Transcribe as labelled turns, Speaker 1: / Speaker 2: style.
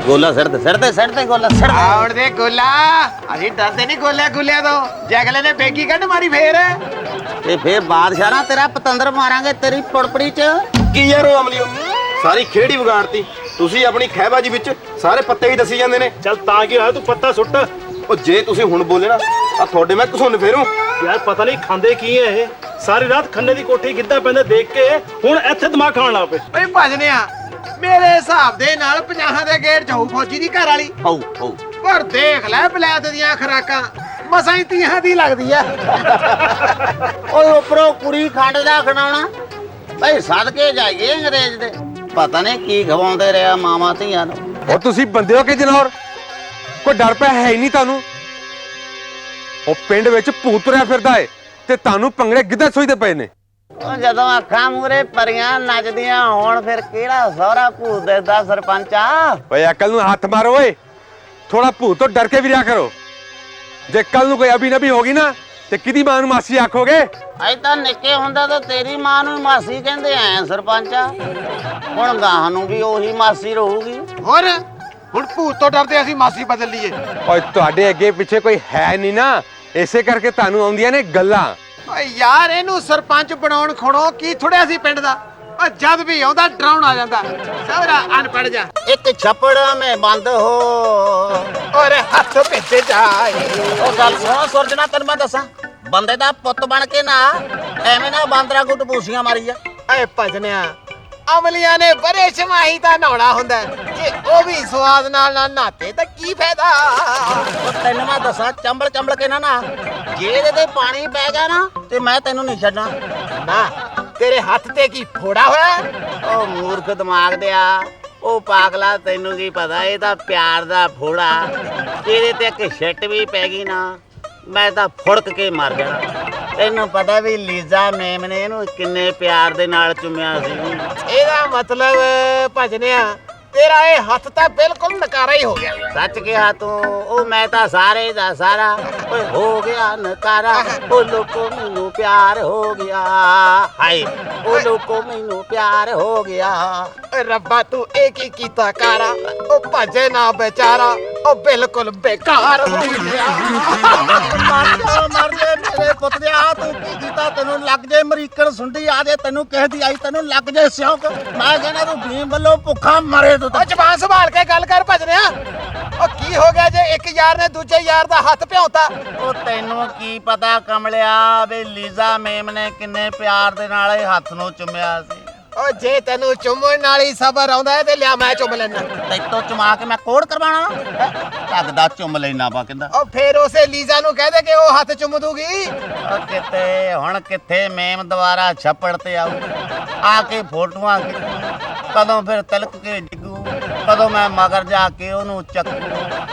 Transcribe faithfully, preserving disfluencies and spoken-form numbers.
Speaker 1: ਗੋਲਾ ਸਿਰ ਤੇ ਸਿਰ ਤੇ ਸਿਰ ਤੇ ਗੋਲਾ ਸਿਰ
Speaker 2: ਆਉਣ ਦੇ ਗੋਲਾ ਅਸੀਂ ਡਰਦੇ ਨਹੀਂ ਗੋਲਿਆਂ ਗੁੱਲਿਆਂ ਤੋਂ ਜੇ ਅਗਲੇ ਨੇ ਬੇਗੀ ਕੱਢ ਮਾਰੀ ਫੇਰ
Speaker 1: ਤੇ ਫੇਰ ਬਾਦਸ਼ਾਹ ਨਾ ਤੇਰਾ ਪਤੰਦਰ ਮਾਰਾਂਗੇ ਤੇਰੀ ਪੁੜਪੜੀ ਚ।
Speaker 3: ਕੀ ਯਾਰ ਉਹ ਅਮਲੀਓ ਸਾਰੀ ਖੇੜੀ ਵਿਗਾੜਤੀ ਤੁਸੀਂ। ਆਪਣੀ ਖਹਿਬਾਜੀ ਵਿੱਚ ਸਾਰੇ ਪੱਤੇ ਹੀ ਦੱਸੀ ਜਾਂਦੇ ਨੇ।
Speaker 4: ਚੱਲ ਤਾਂ ਕੀ ਹੋਇਆ, ਤੂੰ ਪੱਤਾ ਸੁੱਟ।
Speaker 3: ਉਹ ਜੇ ਤੁਸੀਂ ਹੁਣ ਬੋਲੇ ਨਾ ਆ ਤੁਹਾਡੇ ਮੈਂ ਘਸੁੰਨ ਫੇਰੂ।
Speaker 4: ਯਾਰ ਪਤਾ ਨਹੀਂ ਖਾਂਦੇ ਕੀ ਹੈ ਇਹ, ਸਾਰੀ ਰਾਤ ਖੰਨੇ ਦੀ ਕੋਠੀ ਕਿੱਦਾਂ ਪੈਂਦਾ ਦੇਖ ਕੇ ਹੁਣ ਇੱਥੇ ਦਿਮਾਗ ਖਾਣ ਲੱਗ ਪਏ।
Speaker 2: ਓਏ ਭਜਨਿਆ ਮੇਰੇ ਹਿਸਾਬ ਦੇ ਨਾਲ ਪੰਜਾਹਾਂ ਦੇ ਗੇੜ ਚ ਹੋਊ ਫੌਜੀ ਦੀ ਘਰ ਵਾਲੀ।
Speaker 1: ਹਉ ਹਉ
Speaker 2: ਪਰ ਦੇਖ ਲੈ ਬਲੈਤ ਦੀਆਂ ਖਰਾਕਾਂ ਮਸਾਂ ਹੀ ਤੀਹਾਂ ਦੀ ਲੱਗਦੀ ਆ।
Speaker 1: ਓਏ ਉੱਪਰੋਂ ਕੁੜੀ ਖੰਡ ਦਾ ਖਣਾਉਣਾ ਭਾਈ ਸਦਕੇ ਜਾਈਏ ਅੰਗਰੇਜ਼ ਦੇ। ਪਤਾ ਨਹੀਂ ਕੀ ਖਵਾਉਂਦੇ ਰਿਹਾ ਮਾਵਾਂ ਧੀਆਂ ਨੂੰ।
Speaker 5: ਉਹ ਤੁਸੀਂ ਬੰਦੇ ਹੋ ਕਿ ਜਨੌਰ? ਕੋਈ ਡਰ ਪਿਆ ਹੈ ਹੀ ਨਹੀਂ ਤੁਹਾਨੂੰ। ਉਹ ਪਿੰਡ ਵਿੱਚ ਭੂਤ ਤੁਰਿਆ ਫਿਰਦਾ ਏ ਤੇ ਤੁਹਾਨੂੰ ਪੰਗੜੇ ਗਿੱਧਾ ਸੋਈਦੇ ਪਏ ਨੇ।
Speaker 1: ਉਹ ਜਦੋਂ ਅੱਖਾਂ ਮੂਰੇ ਪਰੀਆਂ ਨੱਚਦੀਆਂ ਹੋਣ ਫਿਰ ਕਿਹੜਾ ਸਹੁਰਾ ਭੂਤ ਦੇਦਾ ਸਰਪੰਚਾ।
Speaker 5: ਓਏ ਅਕਲ ਨੂੰ ਹੱਥ ਮਾਰੋ ਓਏ, ਥੋੜਾ ਭੂਤ ਤੋਂ ਡਰ ਕੇ ਵੀ ਰਿਹਾ ਕਰੋ। ਜੇ ਕੱਲ ਨੂੰ ਕੋਈ ਅਬੀ ਨਬੀ ਹੋਗੀ ਨਾ ਤੇ ਕਿਹਦੀ ਮਾਂ ਨੂੰ ਮਾਸੀ ਆਖੋਗੇ?
Speaker 1: ਅਜ ਤਾਂ ਨਿੱਕੇ ਹੁੰਦਾ ਤਾਂ ਤੇਰੀ ਮਾਂ ਨੂੰ ਮਾਸੀ ਕਹਿੰਦੇ ਐ ਸਰਪੰਚਾ। ਹੁਣ ਗਾਹਾਂ ਨੂੰ ਵੀ ਉਹੀ ਮਾਸੀ ਰਹੂਗੀ।
Speaker 2: ਹੋਰ ਹੁਣ ਭੂਤ ਤੋਂ ਡਰਦੇ ਅਸੀਂ ਮਾਸੀ ਬਦਲ ਲਈਏ।
Speaker 5: ਓਏ ਤੁਹਾਡੇ ਅੱਗੇ ਪਿੱਛੇ ਕੋਈ ਹੈ ਨਹੀਂ ਨਾ, ਇਸੇ ਕਰਕੇ ਤੁਹਾਨੂੰ ਆਉਂਦੀਆਂ ਨੇ ਗੱਲਾਂ।
Speaker 2: ਓਏ ਯਾਰ ਇਹਨੂੰ ਸਰਪੰਚ ਬਣਾਉਣ ਖੜੋ ਕੀ ਥੋੜਿਆ ਸੀ ਪਿੰਡ ਦਾ। ਓ ਜਦ ਵੀ ਆਉਂਦਾ ਡਰਾਉਣ ਆ ਜਾਂਦਾ। ਸਵਰਾ ਅਨਪੜ ਜਾ
Speaker 1: ਇੱਕ ਛੱਪੜ ਮੈਂ ਬੰਦ ਹੋ
Speaker 2: ਔਰ ਹੱਥ ਭੇਜੇ ਜਾਏ।
Speaker 1: ਉਹ ਗੱਲ ਸੁਣੋ ਸੁਰਜਣਾ, ਤੈਨੂੰ ਮੈਂ ਦੱਸਾਂ ਬੰਦੇ ਦਾ ਪੁੱਤ ਬਣ ਕੇ ਨਾ ਐਵੇਂ ਨਾ ਬਾਂਦਰਾ ਗੁੱਟ ਪੂਸੀਆਂ ਮਾਰੀ ਜਾ।
Speaker 2: ਏ ਭਜਨਿਆ ਅਮਲੀਆਂ ਨੇ ਬਰੇ ਛਮਾਹੀ ਤਾਂ ਨਹਾਉਣਾ ਹੁੰਦਾ, ਜੇ ਉਹ ਵੀ ਸਵਾਦ ਨਾਲ ਨਾ ਨਹਾਤੇ ਤਾਂ ਕੀ ਫਾਇਦਾ।
Speaker 1: ਉਹ ਤੈਨੂੰ ਮੈਂ ਦੱਸਾਂ ਚੰਬਲ ਚੰਬਲ ਕੇ ਨਾ ਨਾ ਜੇ ਇਹਦੇ ਤੇ ਪਾਣੀ ਪੈ ਗਿਆ ਨਾ ਤੇ ਮੈਂ ਤੈਨੂੰ ਨਹੀਂ ਛੱਡਣਾ।
Speaker 2: ਨਾ ਤੇਰੇ ਹੱਥ ਤੇ ਕੀ ਫੋੜਾ ਹੋਇਆ।
Speaker 1: ਉਹ ਮੂਰਖ ਦਿਮਾਗ ਦਿਆ, ਉਹ ਪਾਗਲਾ ਤੈਨੂੰ ਕੀ ਪਤਾ ਇਹ ਤਾਂ ਪਿਆਰ ਦਾ ਫੋੜਾ। ਇਹਦੇ ਤੇ ਇੱਕ ਛਿੱਟ ਵੀ ਪੈ ਗਈ ਨਾ ਮੈਂ ਤਾਂ ਫੁੜਕ ਕੇ ਮਰ ਜਾਣਾ। ਤੈਨੂੰ ਪਤਾ ਵੀ ਲੀਜ਼ਾ ਮੇਮ ਨੇ ਇਹਨੂੰ ਕਿੰਨੇ ਪਿਆਰ ਦੇ ਨਾਲ ਚੁੰਮਿਆ ਸੀ।
Speaker 2: ਇਹਦਾ ਮਤਲਬ ਭਜਨਿਆ ਤੇਰਾ ਇਹ ਹੱਥ ਤਾਂ ਬਿਲਕੁਲ ਨਕਾਰਾ ਹੀ ਹੋ ਗਿਆ।
Speaker 1: ਸੱਚ ਕਿਹਾ ਤੂੰ। ਉਹ ਮੈਂ ਤਾਂ ਸਾਰੇ ਦਾ ਸਾਰਾ ਓਏ ਹੋ ਗਿਆ ਨਕਾਰਾ। ਉਹ ਲੋਕੋ ਮੈਨੂੰ ਪਿਆਰ ਹੋ ਗਿਆ, ਹਾਏ ਉਹ ਲੋਕੋ ਮੈਨੂੰ ਪਿਆਰ ਹੋ ਗਿਆ।
Speaker 2: ਓਏ ਰੱਬਾ ਤੂੰ ਇਹ ਕੀ ਕੀਤਾ ਕਾਰਾ। ਉਹ ਭਜੇ ਨਾ ਵਿਚਾਰਾ ਉਹ ਬਿਲਕੁਲ ਬੇਕਾਰ ਹੋ ਗਿਆ।
Speaker 1: ਮਰ ਜਾ ਮਰ ਜਾ ਮੇਰੇ ਪੁੱਤ ਦੇ ਆ ਤੂੰ ਕੀ ਕੀਤਾ। ਤੈਨੂੰ ਲੱਗ ਜੇ ਅਮਰੀਕਨ ਸੁੰਡੀ ਆ ਜੇ, ਤੈਨੂੰ ਕਿਸੇ ਦੀ ਆਈ ਤੈਨੂੰ ਲੱਗ ਜੇ ਸਿਉਂਕ। ਮੈਂ ਕਹਿੰਦਾ ਤੂੰ ਭੀਮ ਵੱਲੋਂ ਭੁੱਖਾ ਮਰੇ ਤੂੰ।
Speaker 2: ਉਹ ਜ਼ਬਾਨ ਸੰਭਾਲ ਕੇ ਗੱਲ ਕਰ ਭਜਨਿਆ। ਉਹ ਕੀ ਹੋ ਗਿਆ ਜੇ ਇੱਕ ਯਾਰ ਨੇ ਦੂਜੇ ਯਾਰ ਦਾ ਹੱਥ ਭਿਉਂਤਾ।
Speaker 1: ਉਹ ਤੈਨੂੰ ਕੀ ਪਤਾ ਕਮਲਿਆ ਵੀ ਲੀਜ਼ਾ ਮੇਮ ਨੇ ਕਿੰਨੇ ਪਿਆਰ ਦੇ ਨਾਲ ਇਹ ਹੱਥ ਨੂੰ ਚੁੰਮਿਆ ਸੀ।
Speaker 2: ਉਹ ਜੇ ਤੈਨੂੰ ਚੁੰਮਣ ਨਾਲ ਹੀ ਸਬਰ ਆਉਂਦਾ ਹੈ ਤੇ ਲਿਆ ਮੈਂ ਚੁੰਮ ਲੈਣਾ।
Speaker 1: ਤੈਨੂੰ ਚੁਮਾ ਕੇ ਮੈਂ ਕੋੜ ਕਰਵਾਣਾ ਲੱਗਦਾ ਚੁੰਮ ਲੈਣਾ ਪਾ ਕਹਿੰਦਾ।
Speaker 2: ਉਹ ਫੇਰ ਉਸੇ ਲੀਜ਼ਾ ਨੂੰ ਕਹਿ ਦੇ ਕਿ ਉਹ ਹੱਥ ਚੁੰਮ ਦੂਗੀ।
Speaker 1: ਉਹ ਕਿਤੇ ਹੁਣ ਕਿੱਥੇ ਮੇਮ ਦੁਬਾਰਾ ਛੱਪੜ ਤੇ ਆਊ ਆ ਕੇ ਫੋਟੋਆਂ ਖਿੱਚੂ। ਕਦੋਂ ਫਿਰ ਤਿਲਕ ਕੇ ਡਿੱਗੂ, ਕਦੋਂ ਮੈਂ ਮਗਰ ਜਾ ਕੇ ਉਹਨੂੰ ਚੱਕੂ।